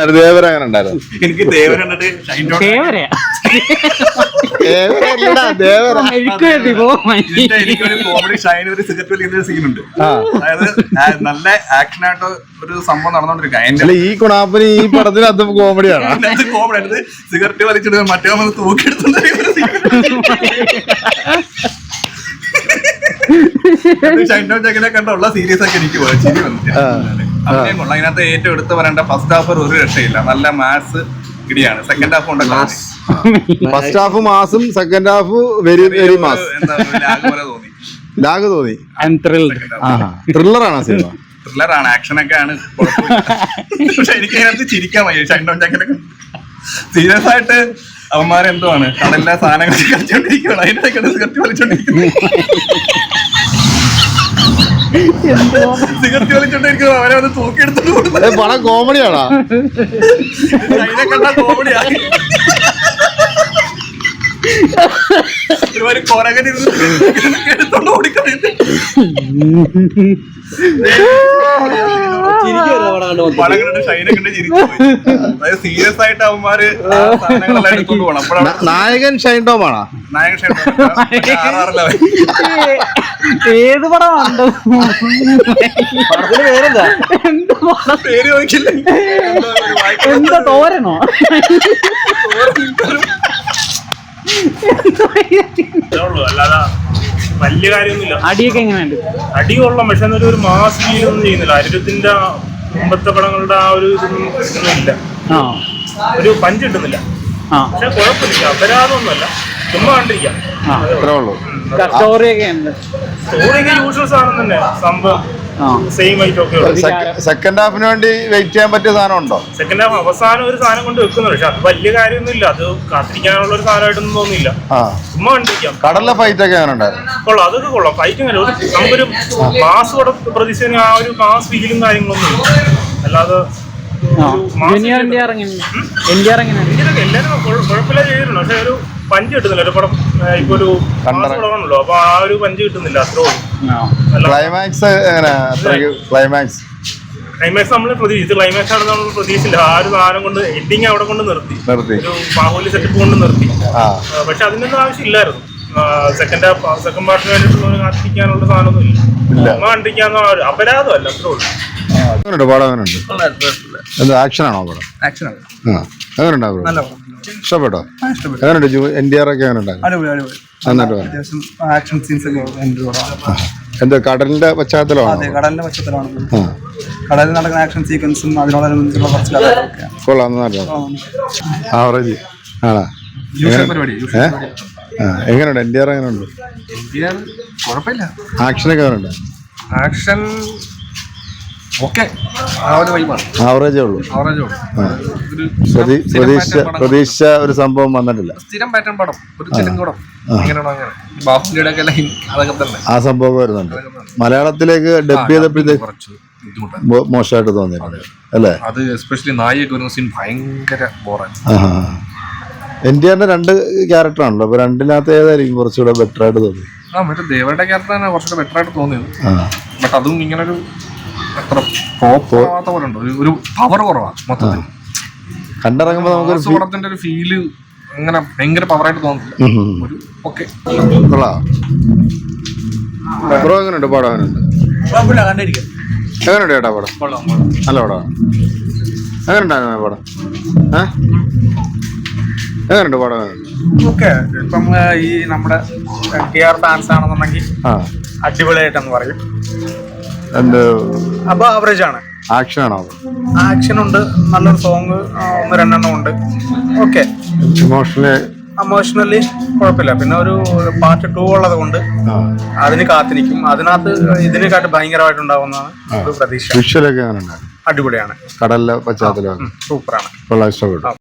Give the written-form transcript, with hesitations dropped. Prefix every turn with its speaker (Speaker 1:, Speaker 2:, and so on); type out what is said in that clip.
Speaker 1: ദേവര അങ്ങനെ ഉണ്ടായിരുന്നു.
Speaker 2: എനിക്ക് ദേവര കണ്ടിട്ട് എനിക്കൊരു കോമഡി ഷൈൻ ഒരു സിഗരറ്റ് വലിക്കുന്ന സീനുണ്ട്. അതായത് നല്ല ആക്ഷൻ ആയിട്ട് ഒരു സംഭവം നടന്നോണ്ടിരിക്കുക.
Speaker 1: ഈ കുണാപ്പന് ഈ പടത്തിന് അത് കോമഡിയാണ്.
Speaker 2: കോമഡി ആയിട്ട് സിഗരറ്റ് വലിച്ചിട്ട് മറ്റേ വന്ന് തൂക്കിയെടുത്തുണ്ട്. ഷൈൻഡോ ജഗനെ കണ്ടുള്ള സീരീസ് ഒക്കെ എനിക്ക് ചിരി വന്നിട്ട് അഭിനയം കൊള്ളാം. അതിനകത്ത് ഏറ്റവും എടുത്ത് പറയേണ്ട ഫസ്റ്റ് ഹാഫ് ഒരു രക്ഷയില്ല, നല്ല മാസ് ഇടിയാണ്. സെക്കൻഡ് ഹാഫ് കൊണ്ട്
Speaker 1: ഫസ്റ്റ് ഹാഫ് മാസും second half very very mass. Lag തോന്നി. ത്രില്ലറാണ് സിനിമ.
Speaker 2: ത്രില്ലറാണ്, ആക്ഷനൊക്കെ ആണ്. പക്ഷെ എനിക്ക് അതിനകത്ത് ചിരിക്കാൻ വയ്യ. ഷൈൻഡോ ജഗനെ സീരിയസ് ആയിട്ട് അവന്മാരെന്തുവാണ് കടലിലെ സാധനങ്ങൾ കളിച്ചോണ്ടിരിക്കുകയാണ്. അതിനിടയ്ക്കാണ് സിഗരറ്റ് വലിച്ചോണ്ടിരിക്കുന്നത്. സിഗരറ്റ് വലിച്ചോണ്ടിരിക്കുന്നത് അവരെ വന്ന് തൂക്കിയെടുത്തോണ്ട് കൊടുക്കുന്നത്
Speaker 1: പടം കോമഡിയാണോ?
Speaker 2: അതിനെ കണ്ടാ കോമഡിയാണ്. ഒരുപാട് കൊരകൻ എടുത്തോണ്ട് ഓടിക്കളയുന്നത്. പടം കണ്ടിട്ട് ഷൈനെ കണ്ട് ചിരിച്ചു പോയി. അതായത് സീരിയസ് ആയിട്ട് അവന്മാര് സാധനങ്ങളെല്ലാം എടുത്തോണ്ട് പോകണം. അപ്പോഴാണ്
Speaker 1: നായകൻ ഷൈൻ ടോമാണോ?
Speaker 2: നായകൻ ഷൈൻ ടോം
Speaker 3: ഏത് പടമാണ്?
Speaker 2: പേര് ചോദിക്കില്ല.
Speaker 3: എന്താ തോരനോ?
Speaker 4: അല്ലാതെ വലിയ കാര്യമൊന്നുമില്ല.
Speaker 3: അടിയൊക്കെ എങ്ങനെയുണ്ട്?
Speaker 4: അടി കൊള്ളാം, പക്ഷെ എന്നൊരു ഒരു മാസ് ഫീലൊന്നും ചെയ്യുന്നില്ല. അരുരത്തിന്റെ മുമ്പത്തെ പടങ്ങളുടെ ആ ഒരു ഇതൊന്നും ഇല്ല. ഒരു പഞ്ച് കിട്ടുന്നില്ല. പക്ഷെ കുഴപ്പമില്ല, അപരാധമൊന്നുമല്ല, ചുമ്മാ കണ്ടിരിക്കാം.
Speaker 3: സ്റ്റോറിയൊക്കെ
Speaker 4: യൂഷ്വൽ സാധനം തന്നെ, സംഭവം സെയിം ഐറ്റൊക്കെ.
Speaker 1: സെക്കൻഡ് ഹാഫിന് വേണ്ടി വെയിറ്റ് ചെയ്യാൻ പറ്റിയ സാധനം ഉണ്ടോ?
Speaker 4: സെക്കൻഡ് ഹാഫ് അവസാനം ഒരു സാധനം കൊണ്ട് വെക്കുന്നുണ്ട്, പക്ഷെ അത് വലിയ കാര്യമൊന്നുമില്ല. അത് കാത്തിരിക്കാനുള്ള ഒരു സാധനമായിട്ടൊന്നും തോന്നിയില്ല, ചുമ്മാ കണ്ടിരിക്കാം.
Speaker 1: കടലിലെ ഫൈറ്റ് ഒക്കെ അങ്ങനെ ഉണ്ടായിരുന്നു.
Speaker 4: കൊള്ളാം, അതൊക്കെ കൊള്ളാം. ഫൈറ്റിംഗ് അല്ല, നമുക്കൊരു മാസ് പ്രതീക്ഷിക്കുന്ന ആ ഒരു മാസ് ഫീലും കാര്യങ്ങളൊന്നും ഇല്ല. അല്ലാതെ എല്ലാരും കുഴപ്പമില്ല ചെയ്തിട്ടുണ്ട്, പക്ഷെ ഒരു പഞ്ച് കിട്ടുന്നില്ല. ഒരു പടം ഇപ്പൊ ഒരു പടമാണല്ലോ, അപ്പൊ ആ ഒരു പഞ്ച് കിട്ടുന്നില്ല. അത്രേ
Speaker 1: ക്ലൈമാക്സ് ക്ലൈമാക്സ്
Speaker 4: നമ്മൾ പ്രതീക്ഷിച്ചു. ക്ലൈമാക്സ് ആണ് നമ്മൾ പ്രതീക്ഷിച്ചില്ല. ആ ഒരു സാധനം കൊണ്ട് എൻഡിങ് അവിടെ കൊണ്ട് നിർത്തി, ഒരു ബാഹുബലി സെറ്റപ്പ് കൊണ്ട് നിർത്തി. പക്ഷെ അതിനൊന്നും ആവശ്യമില്ലായിരുന്നു. സെക്കൻഡ് പാർട്ടിന് വേണ്ടിയിട്ടുള്ള കാത്തിരിക്കാനുള്ള സാധനമൊന്നും ഇല്ല. ചുമ്മാ കണ്ടിരിക്കാന്ന് അപരാധമല്ല, അത്രേ ഉള്ളൂ.
Speaker 1: ആക്ഷനാണോ പടം? എങ്ങനെയുണ്ടാവും? ഇഷ്ടപ്പെട്ടോ? എങ്ങനെയുണ്ട്? NTR ഒക്കെ എങ്ങനെയുണ്ടായിരുന്നു? എന്താ കടലിന്റെ പശ്ചാത്തലമാണ്?
Speaker 5: കടലിന്റെ പശ്ചാത്തലമാണ്. കടലിൽ നടക്കുന്ന ആക്ഷൻ സീക്വൻസും അതിനോടനുബന്ധിച്ചുള്ള കുറച്ച് കഥകളൊക്കെ
Speaker 1: കൊള്ളാം. ആവറേജ് ആണോ? എങ്ങനെയുണ്ട് NTR? എങ്ങനെയുണ്ട്?
Speaker 5: കുഴപ്പമില്ല.
Speaker 1: ആക്ഷനൊക്കെ എങ്ങനെയുണ്ട്?
Speaker 5: ആക്ഷൻ ഓക്കെ,
Speaker 1: ആവറേജേ ഉള്ളൂ. പ്രതീക്ഷിച്ച ഒരു സംഭവം വന്നിട്ടില്ല.
Speaker 5: സ്ഥിരം പാറ്റേൺ പടം, ഒരു തെലുങ്ക് പടം ബാഹുബലിയുടെ അതൊക്കെ തന്നെ ആ
Speaker 1: സംഭവം വരുന്നുണ്ട്. മലയാളത്തിലേക്ക് ഡബ് ചെയ്തപ്പോഴത്തേക്ക് മോശമായിട്ട് തോന്നിയിട്ടുണ്ട് അല്ലേ?
Speaker 5: അത് എസ്പെഷ്യലി നായിക ഒരു സീൻ ഭയങ്കര ബോറാണ്.
Speaker 1: NTRന്റെ 2 ക്യാരക്ടറാണല്ലോ, അപ്പൊ രണ്ടിനകത്ത് ഏതായിരിക്കും കുറച്ചുകൂടെ ബെറ്റർ ആയിട്ട് തോന്നി?
Speaker 5: മറ്റേ ദേവരുടെ ക്യാരക്ടർ തന്നെ കുറച്ചുകൂടെ ബെറ്റർ ആയിട്ട് തോന്നിയത്. ബട്ട് അതും ഇങ്ങനൊരു അത്ര പോവാത്ത പോലെ ഉണ്ട്, ഒരു പവർ കുറവാണ് മൊത്തത്തിൽ.
Speaker 1: കണ്ടിറങ്ങുമ്പോ നമുക്ക്
Speaker 5: പടത്തിന്റെ ഒരു ഫീല് അങ്ങനെ ഭയങ്കര പവറായിട്ട് തോന്നുന്നില്ല. ഒരു ഓക്കെ
Speaker 1: ബ്രോ എങ്ങനെയുണ്ട് പടം? എങ്ങനെയുണ്ട്? എങ്ങനെയുണ്ട് ചേട്ടാ പടം? നല്ല പടമാണ്. എങ്ങനെയുണ്ടായിരുന്നു പടം? എങ്ങനെയുണ്ട് പടം?
Speaker 5: ഓക്കെ. ഇപ്പം ഈ നമ്മുടെ NTR ഫാൻസ് ആണെന്നുണ്ടെങ്കിൽ അടിപൊളിയായിട്ടെന്ന് പറയും. അപ്പൊ ആവറേജ് ആണ്.
Speaker 1: ആക്ഷൻ ആണോ?
Speaker 5: ആക്ഷൻ ഉണ്ട്, നല്ലൊരു സോങ് 1-2 ഉണ്ട്. ഓക്കെ. ഇമോഷണലി കുഴപ്പമില്ല. പിന്നെ ഒരു പാർട്ട് 2 ഉള്ളത് കൊണ്ട് അതിന് കാത്തിരിക്കും. അതിനകത്ത് ഇതിനെക്കാട്ട് ഭയങ്കരമായിട്ടുണ്ടാവുന്നതാണ് ഒരു പ്രതീക്ഷ.
Speaker 1: വിഷ്വലൊക്കെ
Speaker 5: അടിപൊളിയാണ്.
Speaker 1: കടലിലെ പശ്ചാത്തലം
Speaker 5: സൂപ്പറാണ്.
Speaker 1: ഇഷ്ടപ്പെട്ടു.